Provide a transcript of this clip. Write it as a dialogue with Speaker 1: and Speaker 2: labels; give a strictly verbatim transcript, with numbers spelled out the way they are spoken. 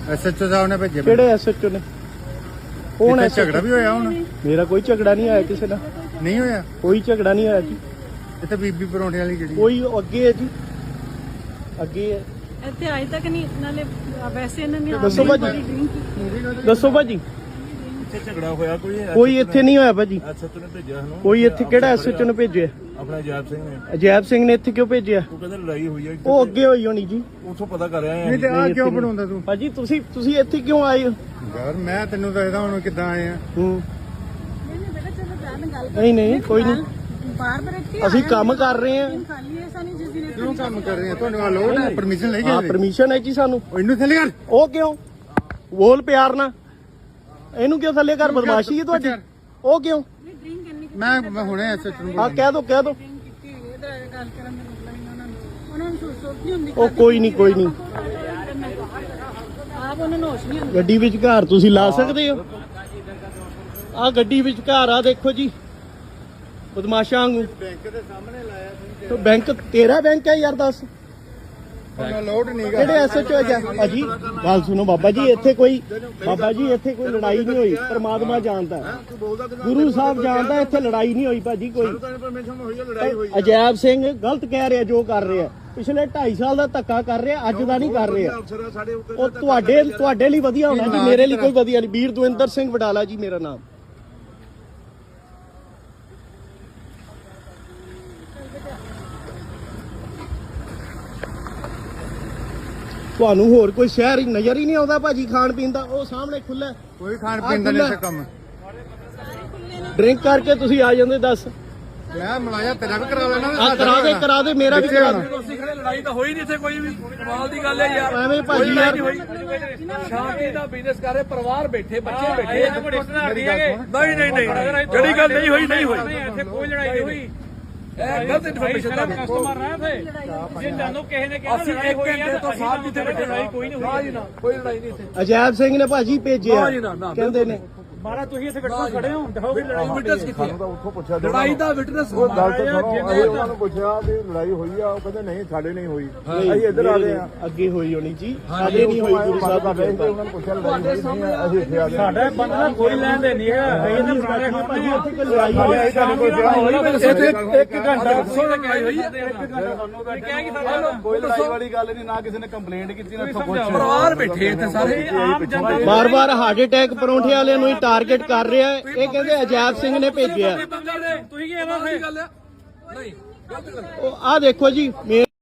Speaker 1: SHO ਸਾਹਿਬ ਨੇ ਭੇਜੇ।
Speaker 2: ਕਿਹੜੇ ਐਸਐਚਓ ਨੇ? ਕੌਣ ਹੈ?
Speaker 1: ਝਗੜਾ ਵੀ ਹੋਇਆ ਹੁਣ?
Speaker 2: ਮੇਰਾ ਕੋਈ ਝਗੜਾ ਨਹੀਂ ਆਇਆ ਕਿਸੇ ਨਾਲ।
Speaker 1: ਨਹੀਂ ਹੋਇਆ?
Speaker 2: ਕੋਈ ਝਗੜਾ ਨਹੀਂ ਆਇਆ ਜੀ।
Speaker 1: ਇੱਥੇ ਬੀਬੀ ਪਰੌਂਠੇ ਵਾਲੀ ਜਿਹੜੀ
Speaker 2: ਕੋਈ ਅੱਗੇ ਹੈ ਜੀ, ਅੱਗੇ ਹੈ।
Speaker 3: ਇੱਥੇ ਅਜੇ ਤੱਕ ਨਹੀਂ ਨਾਲੇ ਵੈਸੇ ਇਹਨਾਂ ਨੇ
Speaker 2: ਦੱਸੋ ਭਾਜੀ, ਦੱਸੋ ਭਾਜੀ।
Speaker 4: ਇੱਥੇ ਝਗੜਾ ਹੋਇਆ ਕੋਈ?
Speaker 2: ਕੋਈ ਇੱਥੇ ਨਹੀਂ ਹੋਇਆ ਭਾਜੀ।
Speaker 4: ਐਸਐਚਓ ਨੇ ਭੇਜਿਆ ਸਾਨੂੰ।
Speaker 2: ਕੋਈ ਇੱਥੇ ਕਿਹੜਾ ਐਸਐਚਓ ਨੇ ਭੇਜਿਆ?
Speaker 4: ਆਪਣਾ ਅਜੈਬ ਸਿੰਘ ਨੇ।
Speaker 2: ਅਜੈਬ ਸਿੰਘ ਨੇ ਇੱਥੇ ਕਿਉਂ ਭੇਜਿਆ?
Speaker 4: ਉਹ ਕਹਿੰਦੇ ਲੜਾਈ ਹੋਈ ਹੈ।
Speaker 2: ਉਹ ਅੱਗੇ ਹੋਈ ਹੋਣੀ ਜੀ।
Speaker 4: ਉੱਥੋਂ ਪਤਾ ਕਰ ਰਹੇ
Speaker 1: ਨਹੀਂ ਤੇ
Speaker 4: ਆ।
Speaker 1: ਆ ਕਿਉਂ ਬਣਾਉਂਦਾ ਤੂੰ?
Speaker 2: ਭਾਜੀ ਤੁਸੀਂ ਤੁਸੀਂ ਇੱਥੇ ਕਿਉਂ ਆਏ ਹੋ?
Speaker 1: ਯਾਰ ਮੈਂ ਤੈਨੂੰ ਦੱਸਦਾ ਹੁਣ ਕਿੱਦਾਂ ਆਏ ਆ।
Speaker 2: ਹੂੰ
Speaker 3: ਨਹੀਂ ਨਹੀਂ ਬੇਟਾ ਚਲੋ ਜਾਨ ਗੱਲ
Speaker 2: ਨਹੀਂ ਨਹੀਂ ਕੋਈ ਨਹੀਂ,
Speaker 3: ਬਾਰ ਬਾਰ ਇੱਥੇ
Speaker 2: ਅਸੀਂ ਕੰਮ ਕਰ ਰਹੇ ਹਾਂ।
Speaker 3: ਖਾਲੀ ਐਸਾ ਨਹੀਂ ਜਿਸ ਦਿਨ
Speaker 1: ਕਿਉਂ ਕੰਮ ਕਰ ਰਹੇ ਆ? ਤੁਹਾਨੂੰ ਆ ਲੋੜ ਹੈ? ਪਰਮਿਸ਼ਨ ਲੈ
Speaker 2: ਹਾਂ
Speaker 1: ਗਏ?
Speaker 2: ਪਰਮਿਸ਼ਨ ਹੈ ਜੀ ਸਾਨੂੰ।
Speaker 1: ਉਹ ਇਹਨੂੰ ਥੱਲੇ ਕਰ।
Speaker 2: ਉਹ ਕਿਉਂ? ਬੋਲ ਪਿਆਰ ਨਾਲ। ਇਹਨੂੰ ਕਿਉਂ ਥੱਲੇ ਕਰ? ਬਦਮਾਸ਼ੀ ਹੈ ਤੁਹਾਡੀ। ਉਹ ਕਿਉਂ?
Speaker 3: ਡਰਿੰਕ ਕਰਨੀ
Speaker 1: ਮੈਂ ਮੈਂ ਹੁਣੇ ਐਸਐਚਓ ਨੂੰ
Speaker 2: ਆ ਕਹਿ ਦੋ ਕਹਿ ਦੋ।
Speaker 3: ਕੀਤੀ ਹੋਈ ਇਹਦਾ ਗੱਲ ਕਰਨ ਦਾ ਮਤਲਬ ਹੀ ਉਹਨਾਂ ਨੂੰ ਉਹਨਾਂ ਨੂੰ ਸੋਚ ਸੋਚ ਨਹੀਂ ਹੁੰਦੀ।
Speaker 2: ਉਹ ਕੋਈ ਨਹੀਂ ਕੋਈ ਨਹੀਂ,
Speaker 3: ਆਪ ਉਹਨਾਂ ਨੂੰ ਹੋਸ਼ ਨਹੀਂ ਹੁੰਦੀ।
Speaker 2: ਗੱਡੀ ਵਿੱਚ ਘਰ ਤੁਸੀਂ ਲਾ ਸਕਦੇ ਹੋ। ਆ ਗੱਡੀ ਵਿੱਚ ਘਰ ਆ ਦੇਖੋ ਜੀ, ਬਦਮਾਸ਼ਾਂ ਵਾਂਗੂ।
Speaker 1: ਬੈਂਕ ਦੇ ਸਾਹਮਣੇ ਲਾਇਆ ਸੀ।
Speaker 2: ਤੇ ਬੈਂਕ ਤੇਰਾ ਬੈਂਕ ਹੈ ਯਾਰ, ਦੱਸ
Speaker 1: ਉਹਨਾਂ ਲੋਡ ਨਹੀਂ ਗਾ।
Speaker 2: ਕਿਹੜੇ ਐਸਐਚਓ ਹੈ ਭਾਜੀ? ਗੱਲ ਸੁਣੋ ਬਾਬਾ ਜੀ, ਇੱਥੇ ਕੋਈ ਬਾਬਾ ਜੀ ਇੱਥੇ ਕੋਈ ਲੜਾਈ ਨਹੀਂ ਹੋਈ। ਪਰਮਾਤਮਾ ਜਾਣਦਾ, ਗੁਰੂ ਸਾਹਿਬ ਜਾਣਦਾ, ਇੱਥੇ ਲੜਾਈ ਨਹੀਂ ਹੋਈ ਭਾਜੀ ਕੋਈ।
Speaker 4: ਪਰਮਿਸ਼ਨ ਹੋਈ ਹੈ, ਲੜਾਈ ਹੋਈ।
Speaker 2: ਅਜੈਬ ਸਿੰਘ ਗਲਤ ਕਹਿ ਰਿਹਾ ਜੋ ਕਰ ਰਿਹਾ। ਪਿਛਲੇ ਢਾਈ ਸਾਲ ਦਾ ਧੱਕਾ ਕਰ ਰਿਹਾ, ਅੱਜ ਦਾ ਨਹੀਂ ਕਰ ਰਿਹਾ।
Speaker 4: ਅਫਸਰ ਸਾਡੇ ਉੱਤੇ
Speaker 2: ਉਹ ਤੁਹਾਡੇ ਤੁਹਾਡੇ ਲਈ ਵਧੀਆ ਹੋਣਾ ਜੀ, ਮੇਰੇ ਲਈ ਕੋਈ ਵਧੀਆ ਨਹੀਂ। ਵੀਰ ਦਵਿੰਦਰ ਸਿੰਘ ਵਡਾਲਾ ਜੀ ਮੇਰਾ ਨਾਮ। ਤੁਹਾਨੂੰ ਹੋਰ ਕੋਈ ਸ਼ਹਿਰ ਹੀ ਨਜ਼ਰ ਹੀ ਨਹੀਂ ਆਉਂਦਾ ਭਾਜੀ ਖਾਣ ਪੀਣ ਦਾ? ਉਹ ਸਾਹਮਣੇ ਖੁੱਲਾ,
Speaker 1: ਕੋਈ ਖਾਣ ਪੀਣ ਦਾ ਨਹੀਂ ਇੱਥੇ ਕੰਮ।
Speaker 2: ਡਰਿੰਕ ਕਰਕੇ ਤੁਸੀਂ ਆ ਜਾਂਦੇ। ਦੱਸ
Speaker 1: ਮੈਂ ਮਲਾਇਆ ਤੇਰਾ ਵੀ ਕਰਾ ਲੈਣਾ।
Speaker 2: ਆ ਕਰਾ ਦੇ ਕਰਾ ਦੇ, ਮੇਰਾ ਵੀ ਕਰਾ ਦੇ।
Speaker 5: ਤੁਸੀਂ ਖੜੇ ਲੜਾਈ ਤਾਂ ਹੋਈ ਨਹੀਂ ਇੱਥੇ ਕੋਈ ਵੀ। ਕਮਾਲ ਦੀ ਗੱਲ ਹੈ ਯਾਰ।
Speaker 2: ਐਵੇਂ ਭਾਜੀ ਯਾਰ,
Speaker 5: ਸ਼ਾਂਤੀ ਦਾ ਬਿਜ਼ਨਸ ਕਰ ਰਹੇ, ਪਰਿਵਾਰ ਬੈਠੇ, ਬੱਚੇ ਬੈਠੇ। ਨਹੀਂ ਨਹੀਂ ਨਹੀਂ ਜਿਹੜੀ ਗੱਲ ਨਹੀਂ ਹੋਈ ਨਹੀਂ ਹੋਈ। ਇੱਥੇ ਕੋਈ ਲੜਾਈ ਨਹੀਂ ਹੋਈ। ਇਹ ਗਲਤ ਇਨਫੋਰਮੇਸ਼ਨ ਦਾ ਕਸਟਮਰ ਰਹਾ ਥੇ। ਜੇ ਤੁਹਾਨੂੰ ਕਿਸੇ ਨੇ ਕਿਹਾ ਲੜਾਈ ਹੋਈ ਹੈ ਤਾਂ ਸਾਹਿਬ ਜਿੱਥੇ ਬੈਠੇ ਲੜਾਈ ਕੋਈ ਨਹੀਂ ਹੋਈ। ਨਾ ਕੋਈ ਲੜਾਈ ਨਹੀਂ ਇੱਥੇ।
Speaker 2: ਅਜੈਬ ਸਿੰਘ ਨੇ ਭਾਜੀ ਭੇਜਿਆ ਕਹਿੰਦੇ ਨੇ।
Speaker 5: ਮਾਰਾ ਤੁਸੀਂ ਇੱਥੇ ਬੈਠੋ ਖੜੇ ਹੋ, ਦਿਖਾਓ ਵੀ ਲੜਾਈ ਵਿਟਨੈਸ ਕਿੱਥੇ ਹੈ?
Speaker 4: ਉੱਥੋਂ ਪੁੱਛਿਆ
Speaker 5: ਲੜਾਈ ਦਾ ਵਿਟਨੈਸ
Speaker 4: ਉਹ ਗੱਲ ਤਾਂ ਸੁਣੋ। ਅਸੀਂ ਉਹਨਾਂ ਨੂੰ ਪੁੱਛਿਆ ਵੀ ਲੜਾਈ ਹੋਈ ਆ, ਉਹ ਕਹਿੰਦੇ ਨਹੀਂ ਸਾਡੇ ਨਹੀਂ ਹੋਈ। ਅਸੀਂ ਇੱਧਰ ਆ ਗਏ ਆ।
Speaker 2: ਅੱਗੇ ਹੋਈ ਹੋਣੀ ਜੀ, ਸਾਡੇ ਨਹੀਂ ਹੋਈ। ਗੁਰੂ ਸਾਹਿਬ ਦਾ
Speaker 4: ਉਹਨਾਂ ਨੂੰ ਪੁੱਛਿਆ ਲੜਾਈ ਨਹੀਂ ਹੋਈ, ਅਸੀਂ ਇੱਥੇ ਆ ਗਏ।
Speaker 5: ਸਾਡਾ ਬੰਦਾ ਕੋਈ ਲੈਣ ਦੇ ਨਹੀਂ ਹੈ। ਅਸੀਂ ਤਾਂ ਪੁਰਾਣੇ
Speaker 2: ਭਾਜੀ ਉੱਥੇ ਕੋਈ ਲੜਾਈ ਹੋਈ
Speaker 4: ਤੁਹਾਨੂੰ ਕੋਈ ਕਿਹਾ
Speaker 5: ਇੱਥੇ ਇੱਕ ਘੰਟਾ ਦੱਸੋ ਤਾਂ ਕਿਹਾ ਹੋਈ ਹੈ। ਇੱਕ ਘੰਟਾ ਤੁਹਾਨੂੰ ਦਾ ਕਿਹਾ ਕਿ ਸਾਡਾ
Speaker 4: ਕੋਈ ਲੜਾਈ ਵਾਲੀ ਗੱਲ ਨਹੀਂ, ਨਾ ਕਿਸੇ ਨੇ ਕੰਪਲੇਂਟ ਕੀਤੀ, ਨਾ ਇੱਥੋਂ ਕੁਝ।
Speaker 5: ਪਰਿਵਾਰ ਬੈਠੇ ਇੱਥੇ ਸਾਰੇ ਆਪ ਜਨਤਾ।
Speaker 2: ਬਾਰ ਬਾਰ ਹਾਰਟ ਅਟੈਕ ਪਰੌਂਠੇ ਵਾਲਿਆਂ ਨੂੰ ਹੀ ਟਾਰਗੇਟ ਕਰ ਰਿਹਾ ਹੈ। ਇਹ ਕਹਿੰਦੇ ਅਜੈਬ ਸਿੰਘ ਨੇ ਭੇਜਿਆ।
Speaker 5: ਤੁਸੀਂ ਕੀ ਇਹਨਾਂ ਦੀ ਗੱਲ ਹੈ? ਨਹੀਂ
Speaker 2: ਉਹ ਆ ਦੇਖੋ ਜੀ।